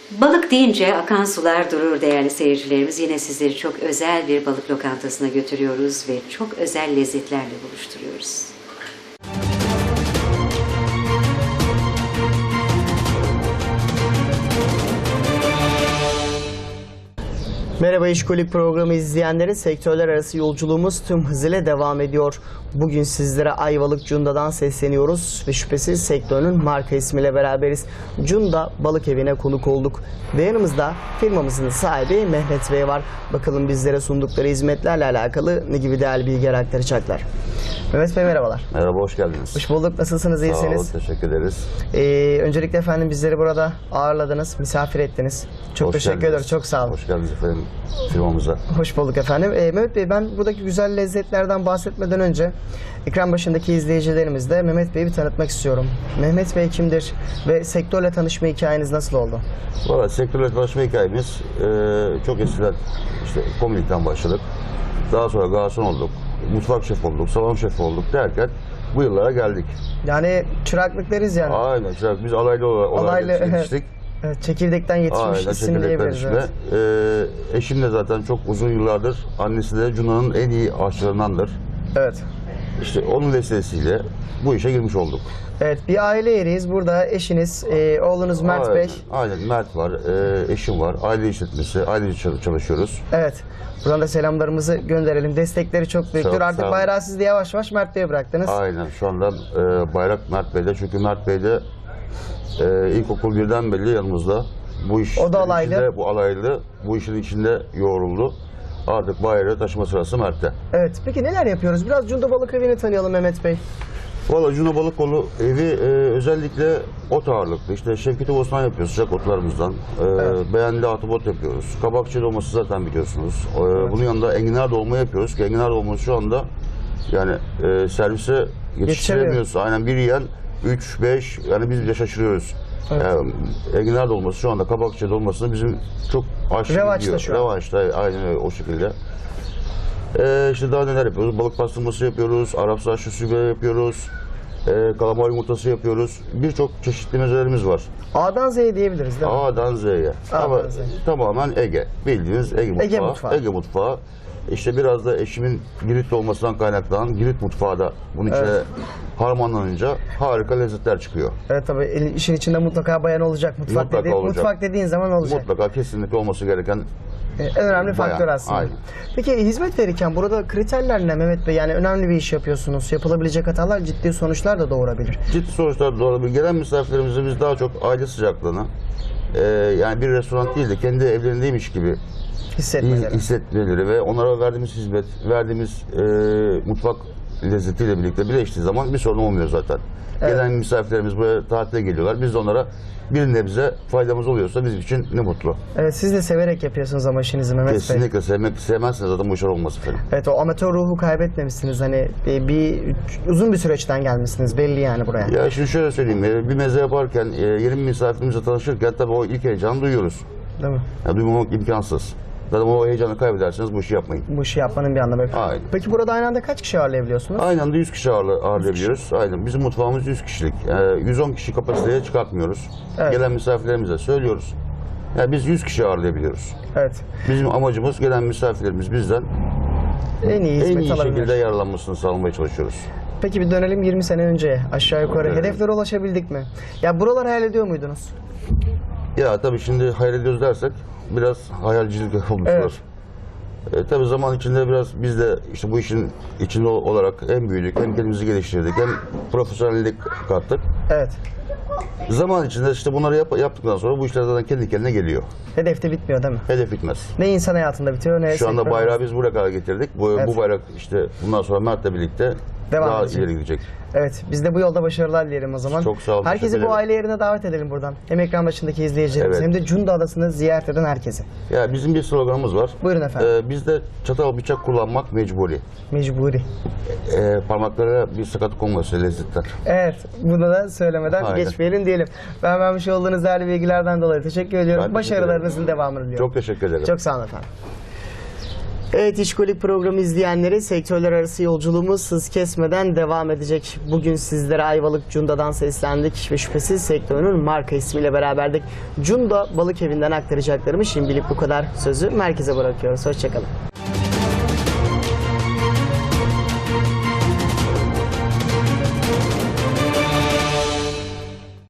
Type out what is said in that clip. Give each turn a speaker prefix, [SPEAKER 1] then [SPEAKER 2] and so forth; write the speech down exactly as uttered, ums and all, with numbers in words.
[SPEAKER 1] Balık deyince akan sular durur değerli seyircilerimiz. Yine sizleri çok özel bir balık lokantasına götürüyoruz ve çok özel lezzetlerle buluşturuyoruz.
[SPEAKER 2] Merhaba İşkolik programı izleyenleri, sektörler arası yolculuğumuz tüm hızıyla devam ediyor. Bugün sizlere Ayvalık Cunda'dan sesleniyoruz ve şüphesiz sektörün marka ismiyle beraberiz. Cunda Balık Evi'ne konuk olduk ve yanımızda firmamızın sahibi Mehmet Bey var. Bakalım bizlere sundukları hizmetlerle alakalı ne gibi değerli bilgiler aktaracaklar. Mehmet Bey merhabalar.
[SPEAKER 3] Merhaba, hoş geldiniz.
[SPEAKER 2] Hoş bulduk. Nasılsınız, iyisiniz?
[SPEAKER 3] Sağ olun, teşekkür ederiz.
[SPEAKER 2] Ee, öncelikle efendim bizleri burada ağırladınız, misafir ettiniz. Çok
[SPEAKER 3] Hoş
[SPEAKER 2] teşekkür
[SPEAKER 3] geldiniz.
[SPEAKER 2] ederim, çok sağ olun.
[SPEAKER 3] Hoş geldiniz efendim firmamıza.
[SPEAKER 2] Hoş bulduk efendim. Ee, Mehmet Bey, ben buradaki güzel lezzetlerden bahsetmeden önce ekran başındaki izleyicilerimizle Mehmet Bey'i bir tanıtmak istiyorum. Mehmet Bey kimdir ve sektörle tanışma hikayeniz nasıl oldu?
[SPEAKER 3] Valla sektörle tanışma hikayemiz e, çok eskiden işte komünikten başladık. Daha sonra garson olduk, mutfak şefi olduk, salon şefi olduk derken bu yıllara geldik.
[SPEAKER 2] Yani çıraklık deriz yani.
[SPEAKER 3] Aynen, çırak, biz alaylı olarak
[SPEAKER 2] Alaylı,
[SPEAKER 3] yetiştik.
[SPEAKER 2] Evet, çekirdekten yetişmiş
[SPEAKER 3] Aynen,
[SPEAKER 2] isim
[SPEAKER 3] çekirdek
[SPEAKER 2] diyebiliriz.
[SPEAKER 3] karışımı.
[SPEAKER 2] Evet.
[SPEAKER 3] E, eşim de zaten çok uzun yıllardır, annesi de Cunda'nın en iyi aşçılarındandır.
[SPEAKER 2] Evet.
[SPEAKER 3] İşte onun vesilesiyle bu işe girmiş olduk.
[SPEAKER 2] Evet, bir aile yeriyiz. Burada eşiniz, e, oğlunuz Mert
[SPEAKER 3] Aynen,
[SPEAKER 2] Bey.
[SPEAKER 3] aynen, Mert var, e, eşim var, aile işletmesi, ailece çalışıyoruz.
[SPEAKER 2] Evet. Buradan da selamlarımızı gönderelim. Destekleri çok büyüktür.
[SPEAKER 3] Çok
[SPEAKER 2] Artık
[SPEAKER 3] sağ olun.
[SPEAKER 2] bayrağı siz de yavaş yavaş Mert Bey'e bıraktınız.
[SPEAKER 3] Aynen, şu anda e, bayrak Mert Bey'de, çünkü Mert Bey de e, ilkokul birden beri yanımızda. Bu iş
[SPEAKER 2] O da alaylı.
[SPEAKER 3] içinde, bu alaylı, bu işin içinde yoğruldu. Artık bayrağı taşıma sırası Mert'te.
[SPEAKER 2] Evet. Peki neler yapıyoruz? Biraz Cunda Balık Evi'ni tanıyalım Mehmet Bey.
[SPEAKER 3] Valla Cunda Balık Kolu evi e, özellikle ot ağırlıklı. İşte Şevketi Bostan yapıyoruz sıcak otlarımızdan. E,
[SPEAKER 2] Evet.
[SPEAKER 3] Beğendi atibot yapıyoruz. Kabakçı dolması zaten biliyorsunuz. E, Bunun yanında enginar dolma yapıyoruz ki enginar dolması şu anda yani e, servise yetiştiremiyoruz. Aynen, bir yiyen üç beş, yani biz bile şaşırıyoruz.
[SPEAKER 2] Evet.
[SPEAKER 3] Yani, enginar dolması şu anda kabakçı dolmasını bizim çok aşırı
[SPEAKER 2] Revaçta
[SPEAKER 3] gidiyor.
[SPEAKER 2] şu an.
[SPEAKER 3] Revaçta, aynen öyle, o şekilde. Ee, işte daha neler yapıyoruz? Balık pastırması yapıyoruz, Arap saçlı sübe yapıyoruz, ee, kalamar yumurtası yapıyoruz. Birçok çeşitli mezelerimiz var.
[SPEAKER 2] A'dan Z'ye diyebiliriz değil mi?
[SPEAKER 3] A'dan Z'ye.
[SPEAKER 2] A'dan
[SPEAKER 3] Ama
[SPEAKER 2] Z'ye.
[SPEAKER 3] tamamen Ege. Bildiğiniz Ege mutfağı.
[SPEAKER 2] Ege mutfağı.
[SPEAKER 3] Ege mutfağı. İşte biraz da eşimin Giritli olmasından kaynaklanan Girit mutfağı da bunun içine
[SPEAKER 2] Evet.
[SPEAKER 3] harmanlanınca harika lezzetler çıkıyor.
[SPEAKER 2] Evet, tabii el- işin içinde mutlaka bayan olacak. Mutfak
[SPEAKER 3] Mutlaka
[SPEAKER 2] dediğin,
[SPEAKER 3] olacak.
[SPEAKER 2] mutfak dediğin zaman olacak.
[SPEAKER 3] Mutlaka kesinlikle olması gereken
[SPEAKER 2] Ee, En önemli
[SPEAKER 3] bayan.
[SPEAKER 2] faktör aslında.
[SPEAKER 3] Aynen.
[SPEAKER 2] Peki hizmet verirken burada kriterler ne Mehmet Bey? Yani önemli bir iş yapıyorsunuz. Yapılabilecek hatalar ciddi sonuçlar da doğurabilir.
[SPEAKER 3] Ciddi sonuçlar doğurabilir. Gelen misafirlerimize biz daha çok aile sıcaklığını, e, yani bir restoran değil de kendi evlerindeymiş gibi
[SPEAKER 2] Hissetmeleri.
[SPEAKER 3] hissetmeleri ve onlara verdiğimiz hizmet, verdiğimiz e, mutfak lezzetiyle birlikte birleştiği zaman bir sorun olmuyor zaten.
[SPEAKER 2] Evet.
[SPEAKER 3] Gelen misafirlerimiz buraya tatile geliyorlar. Biz de onlara bir nebze faydamız oluyorsa bizim için ne mutlu.
[SPEAKER 2] Evet, siz de severek yapıyorsunuz ama işinizi Mehmet Bey.
[SPEAKER 3] Kesinlikle sevmek, sevmezseniz zaten bu işler olmaz efendim.
[SPEAKER 2] Evet, o amatör ruhu kaybetmemişsiniz. Hani bir, bir uzun bir süreçten gelmişsiniz belli yani buraya.
[SPEAKER 3] Ya şimdi şöyle söyleyeyim, e, bir meze yaparken, e, yeni bir misafirimizle tanışırken tabii o ilk heyecanı duyuyoruz.
[SPEAKER 2] Değil mi?
[SPEAKER 3] Ya, duymamak imkansız. Zaten o heyecanı kaybederseniz bu işi yapmayın.
[SPEAKER 2] Bu işi yapmanın bir anlamı yok.
[SPEAKER 3] Aynen.
[SPEAKER 2] Peki burada aynı anda kaç kişi ağırlayabiliyorsunuz?
[SPEAKER 3] Aynı anda yüz kişi ağırla- ağırlayabiliyoruz. Aynen. Bizim mutfağımız yüz kişilik. Yani yüz on kişi kapasiteye çıkartmıyoruz.
[SPEAKER 2] Evet.
[SPEAKER 3] Gelen misafirlerimize söylüyoruz. Yani biz yüz kişi ağırlayabiliyoruz.
[SPEAKER 2] Evet.
[SPEAKER 3] Bizim amacımız gelen misafirlerimiz bizden
[SPEAKER 2] En iyi hizmet
[SPEAKER 3] en iyi
[SPEAKER 2] alabilir.
[SPEAKER 3] şekilde yararlanmasını sağlamaya çalışıyoruz.
[SPEAKER 2] Peki bir dönelim yirmi sene önceye. Aşağı yukarı
[SPEAKER 3] Evet.
[SPEAKER 2] hedeflere ulaşabildik mi? Ya buralar hayal ediyor muydunuz?
[SPEAKER 3] Ya tabii şimdi hayal ediyoruz dersek biraz hayalcilik olmuş
[SPEAKER 2] Evet.
[SPEAKER 3] olur. E, tabii zaman içinde biraz biz de işte bu işin içinde olarak hem büyüdük, hem kendimizi geliştirdik, hem profesyonellik kattık.
[SPEAKER 2] Evet.
[SPEAKER 3] Zaman içinde işte bunları yap- yaptıktan sonra bu işler zaten kendi kendine geliyor.
[SPEAKER 2] Hedef de bitmiyor değil mi?
[SPEAKER 3] Hedef bitmez.
[SPEAKER 2] Ne insan hayatında bitiyor ne
[SPEAKER 3] Şu anda
[SPEAKER 2] sektör
[SPEAKER 3] bayrağı
[SPEAKER 2] hayatında.
[SPEAKER 3] biz buraya kadar getirdik. Bu,
[SPEAKER 2] Evet.
[SPEAKER 3] bu bayrak işte bundan sonra Mert'le birlikte
[SPEAKER 2] Devam
[SPEAKER 3] daha
[SPEAKER 2] edecek.
[SPEAKER 3] ileri gidecek.
[SPEAKER 2] Evet, biz de bu yolda başarılar dileyelim o zaman.
[SPEAKER 3] Çok sağ olun,
[SPEAKER 2] Herkesi
[SPEAKER 3] teşekkür
[SPEAKER 2] bu
[SPEAKER 3] ederim.
[SPEAKER 2] aile yerine davet edelim buradan. Hem ekran başındaki izleyicilerimiz
[SPEAKER 3] Evet.
[SPEAKER 2] hem de Cunda Adası'nı ziyaret eden herkese.
[SPEAKER 3] Ya bizim bir sloganımız var.
[SPEAKER 2] Buyurun efendim.
[SPEAKER 3] Ee, bizde çatal bıçak kullanmak mecburi.
[SPEAKER 2] Mecburi.
[SPEAKER 3] Ee, parmaklara bir sakatlık olması lezzetten.
[SPEAKER 2] Evet, bunu da söylemeden
[SPEAKER 3] Aynen.
[SPEAKER 2] geçmeyelim diyelim. Ben vermiş olduğunuz değerli bilgilerden dolayı teşekkür ediyorum.
[SPEAKER 3] Ben teşekkür
[SPEAKER 2] Başarılarınızın devamını diliyorum.
[SPEAKER 3] Çok teşekkür ederim.
[SPEAKER 2] Çok sağ olun efendim. Evet, İşkolik programı izleyenleri, sektörler arası yolculuğumuz hız kesmeden devam edecek. Bugün sizlere Ayvalık Cunda'dan seslendik ve şüphesiz sektörünün marka ismiyle beraberdik. Cunda Balık Evi'nden aktaracaklarımız şimdilik bu kadar. Sözü merkeze bırakıyoruz. Hoşçakalın.